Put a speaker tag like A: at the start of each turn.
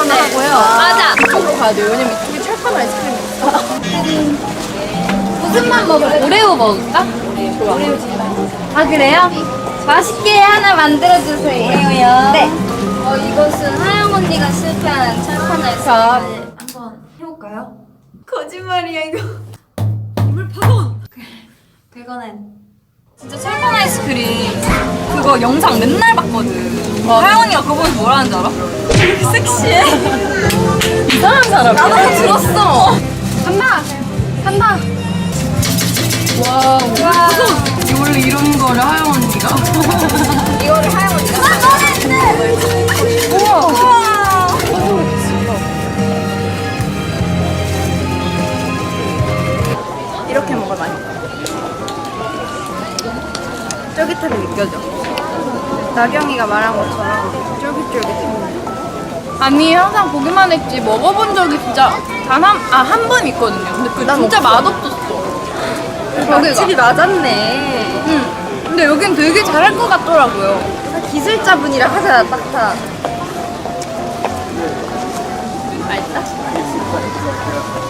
A: 하나 하고요.
B: 맞아.
A: 이쪽으로 가야 돼요. 왜냐면 이쪽에 철판 아이스크림이 있어.
B: 무슨 맛 먹을래? 오레오 먹을까?
A: 좋아.
B: 아 그래요? 맛있게 하나 만들어주세요. 오레오요. 네. 이것은 하영 언니가 실패한 철판 아이스크림. 한번 해볼까요? 거짓말이야 이거.
A: 물 파손.
B: 그거는 진짜 철판 아이스크림 그거 영상 맨날 봤거든. 하영 언니가 그거 보면서 뭐라 하는 줄 알아? 이렇게 섹시해.
A: 이상한 사람.
B: 나도 들었어.
A: 간다. 간다.
B: 와.
A: 원래 이런 거를 하영 언니가.
B: 이거를 하영 언니가. 너네들. 우와.
A: 이렇게 먹어야 맛있다. 쫄깃함이 느껴져. 나경이가 말한 것처럼 쫄깃쫄깃해. 아니 항상 보기만 했지 먹어본 적이 진짜 한 번 있거든요. 근데 그 진짜 맛없었어.
B: 확실히 맞았네.
A: 응. 근데 여긴 되게 잘할 것 같더라고요.
B: 기술자분이라 하자 딱.
A: 맛있다.